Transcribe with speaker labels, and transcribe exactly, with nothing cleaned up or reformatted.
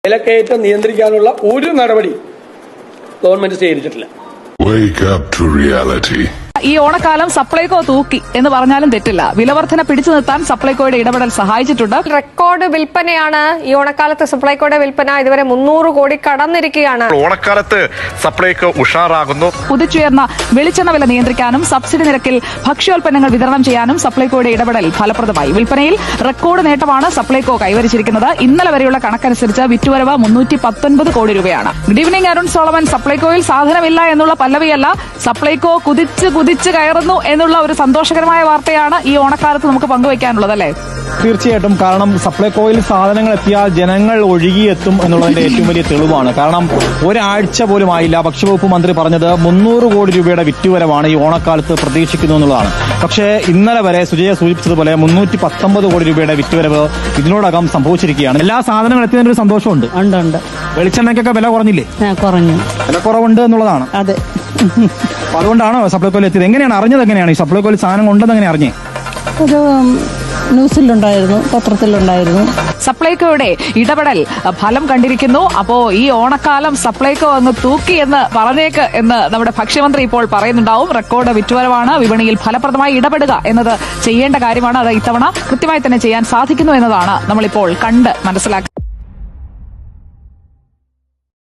Speaker 1: വിലക്കയറ്റം നിയന്ത്രിക്കാനുള്ള ഒരു നടപടി ഗവൺമെന്റ് സ്വീകരിച്ചിട്ടില്ല.
Speaker 2: Wake up to reality.
Speaker 3: ഈ ഓണക്കാലം സപ്ലൈകോ തൂക്കി എന്ന് പറഞ്ഞാലും തെറ്റില്ല. വിലവർധന പിടിച്ചു നിർത്താൻ സപ്ലൈകോയുടെ ഇടപെടൽ സഹായിച്ചിട്ടുണ്ട്.
Speaker 4: റെക്കോർഡ് വിൽപ്പനയാണ് ഈ ഓണക്കാലത്ത് സപ്ലൈകോയുടെ വിൽപ്പന ഇതുവരെ മുന്നൂറ് കോടി കടന്നിരിക്കുകയാണ്.
Speaker 5: ഓണക്കാലത്ത് സപ്ലൈകോ ഉഷാറാകുന്നു.
Speaker 3: കുതിച്ചുയർന്ന വെളിച്ചെണ്ണ വില നിയന്ത്രിക്കാനും സബ്സിഡി നിരക്കിൽ ഭക്ഷ്യോൽപ്പന്നങ്ങൾ വിതരണം ചെയ്യാനും സപ്ലൈകോയുടെ ഇടപെടൽ ഫലപ്രദമായി. വിൽപ്പനയിൽ റെക്കോർഡ് നേട്ടമാണ് സപ്ലൈകോ കൈവരിച്ചിരിക്കുന്നത്. ഇന്നലെ വരെയുള്ള കണക്കനുസരിച്ച് വിറ്റുവരവ് മുന്നൂറ്റി പത്തൊൻപത് കോടി രൂപയാണ്. Good evening Arun Solomon. സപ്ലൈകോയിൽ സാധനമില്ല എന്നുള്ള പല്ലവിയല്ല, സപ്ലൈകോ കുതിച്ച് കുതിച്ച് കയറുന്നു എന്നുള്ള ഒരു സന്തോഷകരമായ വാർത്തയാണ് ഈ ഓണക്കാലത്ത് നമുക്ക് പങ്കുവയ്ക്കാനുള്ളത്, അല്ലേ?
Speaker 6: തീർച്ചയായിട്ടും. കാരണം സപ്ലൈകോയിൽ സാധനങ്ങൾ എത്തിയാൽ ജനങ്ങൾ ഒഴുകിയെത്തും എന്നുള്ളതിന്റെ ഏറ്റവും വലിയ തെളിവാണ്. കാരണം ഒരാഴ്ച പോലും ആയില്ല ഭക്ഷ്യവകുപ്പ് മന്ത്രി പറഞ്ഞത് മുന്നൂറ് കോടി രൂപയുടെ വിറ്റുവരവാണ് ഈ ഓണക്കാലത്ത് പ്രതീക്ഷിക്കുന്നു എന്നുള്ളതാണ്. പക്ഷേ ഇന്നലെ വരെ സുജയ സൂചിപ്പിച്ചതുപോലെ മുന്നൂറ്റി പത്തൊമ്പത് കോടി രൂപയുടെ വിറ്റുവരവ് ഇതിനോടകം സംഭവിച്ചിരിക്കുകയാണ്. എല്ലാ സാധനങ്ങളും എത്തിയതിന്റെ ഒരു സന്തോഷമുണ്ട്.
Speaker 7: ഉണ്ട് ഉണ്ട്.
Speaker 6: വെളിച്ചെണ്ണയ്ക്കൊക്കെ വില കുറഞ്ഞില്ലേ?
Speaker 7: കുറഞ്ഞു.
Speaker 6: വില കുറവുണ്ട് എന്നുള്ളതാണ്.
Speaker 7: അതെ.
Speaker 6: അതുകൊണ്ടാണോ സപ്ലൈകോയിൽ എത്തിയത്? എങ്ങനെയാണ് അറിഞ്ഞത്? എങ്ങനെയാണ് ഈ സപ്ലൈകോയിൽ സാധനം ഉണ്ടെന്ന് എങ്ങനെ അറിഞ്ഞേ?
Speaker 7: ഒരു ന്യൂസിലുണ്ടായിരുന്നു, പത്രത്തിലുണ്ടായിരുന്നു.
Speaker 3: സപ്ലൈകോയുടെ ഇടപെടൽ ഫലം കണ്ടിരിക്കുന്നു. അപ്പോ ഈ ഓണക്കാലം സപ്ലൈകോ അങ്ങ് തൂക്കി എന്ന് പറഞ്ഞേക്ക് എന്ന് നമ്മുടെ ഭക്ഷ്യമന്ത്രി ഇപ്പോൾ പറയുന്നുണ്ടാവും. റെക്കോർഡ് വിറ്റുവരവാണ്. വിപണിയിൽ ഫലപ്രദമായി ഇടപെടുക എന്നത് ചെയ്യേണ്ട കാര്യമാണ്. അത് ഇത്തവണ കൃത്യമായി തന്നെ ചെയ്യാൻ സാധിക്കുന്നു എന്നതാണ് നമ്മളിപ്പോൾ കണ്ട് മനസ്സിലാക്കുന്നത്.